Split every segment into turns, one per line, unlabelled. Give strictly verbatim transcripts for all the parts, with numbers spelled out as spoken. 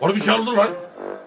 Harbi çaldı lan.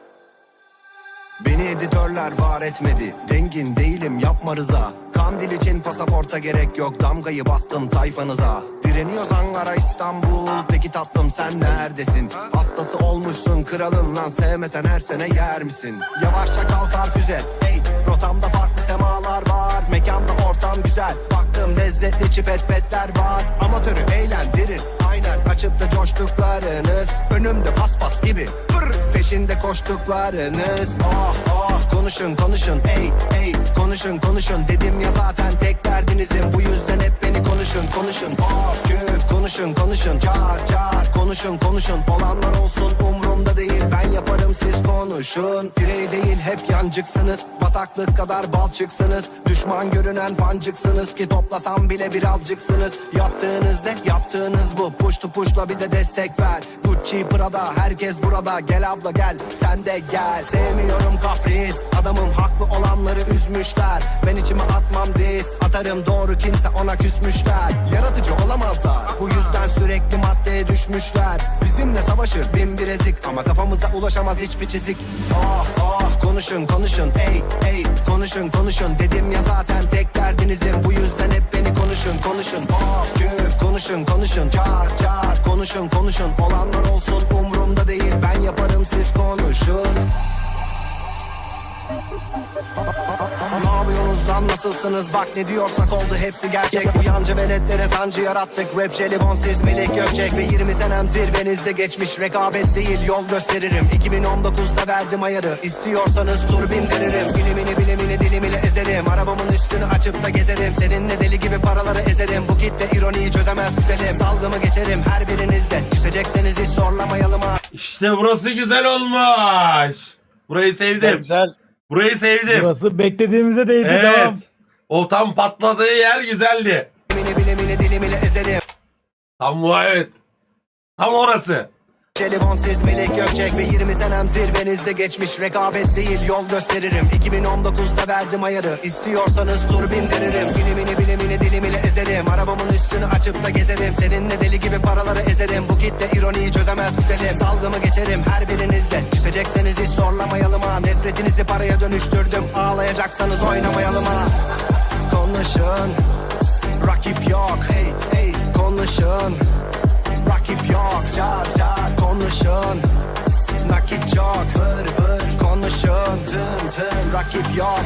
Beni editörler var etmedi. Dengin değilim yapma rıza. Kandil için pasaporta gerek yok. Damgayı bastım tayfanıza. Direniyoruz Ankara İstanbul. Peki tatlım sen neredesin? Hastası olmuşsun kralın lan. Sevmesen her sene yer misin? Yavaşça kalkar füze. Hey, rotamda farklı semalar var. Mekanda ortam güzel. Baktım lezzetli çipetpetler var. Amatörü eğlendirir. Aynen açıp da coştuklarınız. Önümde paspas gibi. Pırr, peşinde koştuklarınız. Oh oh konuşun konuşun. Ey ey konuşun konuşun. Dedim ya zaten tek derdinizim. Bu yüzden hep beni konuşun konuşun. Of küf konuşun konuşun. Car car konuşun konuşun. Olanlar olsun umrumda değil. Ben yaparım siz konuşun. Birey değil hep yancıksınız. Bataklık kadar balçıksınız. Düşman görünen fancıksınız ki toplasam bile birazcıksınız. Yaptığınız ne yaptığınız bu. Push to pushla bir de destek ver. Gucci Prada herkes burada. Gel abla gel sen de gel. Sevmiyorum kapris. Adamım haklı olanları üzmüşler. Ben içime atmam diz. Atarım doğru kimse ona küsmüşler. Yaratıcı olamazlar. Bu yüzden sürekli maddeye düşmüşler. Bizimle savaşır bin bir ezik. Ama kafamıza ulaşamaz hiçbir çizik. Oh oh konuşun konuşun. Ey ey konuşun konuşun. Dedim ya zaten tek derdinizim. Bu yüzden hep beni konuşun konuşun. Of küf konuşun konuşun. Car car konuşun konuşun. Olanlar olsun umrumda değil. Ben yaparım siz konuşun. Ne yapıyorsunuz lan nasılsınız bak ne diyorsak oldu hepsi gerçek. Bu yancı veletlere sancı yarattık. Rap jelibon siz Melek Gökçek. Ve yirmi senem zirvenizde geçmiş. Rekabet değil yol gösteririm. iki bin on dokuzda verdim ayarı. İstiyorsanız tur bindiririm. Bilimini bilimini dilimini ezerim. Arabamın üstünü açıp da gezerim. Seninle deli gibi paraları ezerim. Bu kitle ironiyi çözemez güzelim. Dalgamı geçerim her birinizde. Küsecekseniz hiç zorlamayalım ha.
İşte burası güzel olmuş. Burayı sevdim.
Güzel.
Burayı sevdim.
Burası beklediğimize değdi.
Evet.
Devam.
O tam patladığı yer güzeldi.
Bilimini bilimini dilimini ezerim.
Tam bu evet. Tam orası.
Jelibon siz Melek Gökçek ve yirmi senem zirvenizde geçmiş. Rekabet değil yol gösteririm. iki bin on dokuzda verdim ayarı. İstiyorsanız tur bindiririm. Bilimini bilimini dilimini ezerim. Arabamın üstünü açıp da gezerim. Seninle deli gibi paraları ezerim. Bu kitle ironiyi çözemez güzelim. Dalgamı geçerim her birinizde. Küsecekseniz hiç zorlamayalım ha. Nefretinizi paraya dönüştürdüm. Ağlayacaksanız oynamayalım ha. Konuşun. Rakip yok. Hey hey konuşun. Rakip yok. Car car konuşun. Nakit çok. Vır vır konuşun. Tın tın rakip yok.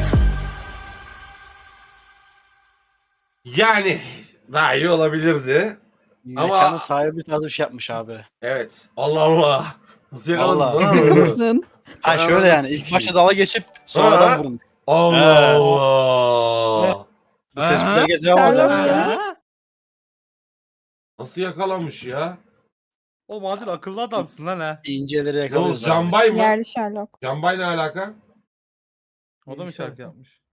Yani daha iyi olabilirdi. Ama-
Mekanın sahibi tarzı bir şey yapmış abi.
Evet. Allah Allah. Nasıl yakaladın?
Allah.
lan
Şaka
onu?
mısın?
Ha şöyle yani ilk başta dala geçip
Ha.
sonradan vurun.
Allah
He.
Allah.
Bu tespitleri gezemez abi.
Ya.
Nasıl yakalamış ya?
Oğlum Adil akıllı adamsın lan ha.
İnceleri
Oğlum
yakalıyoruz abi.
Cambay mı?
Yerli Sherlock.
Cambay ne alaka?
O da mı şarkı yapmış?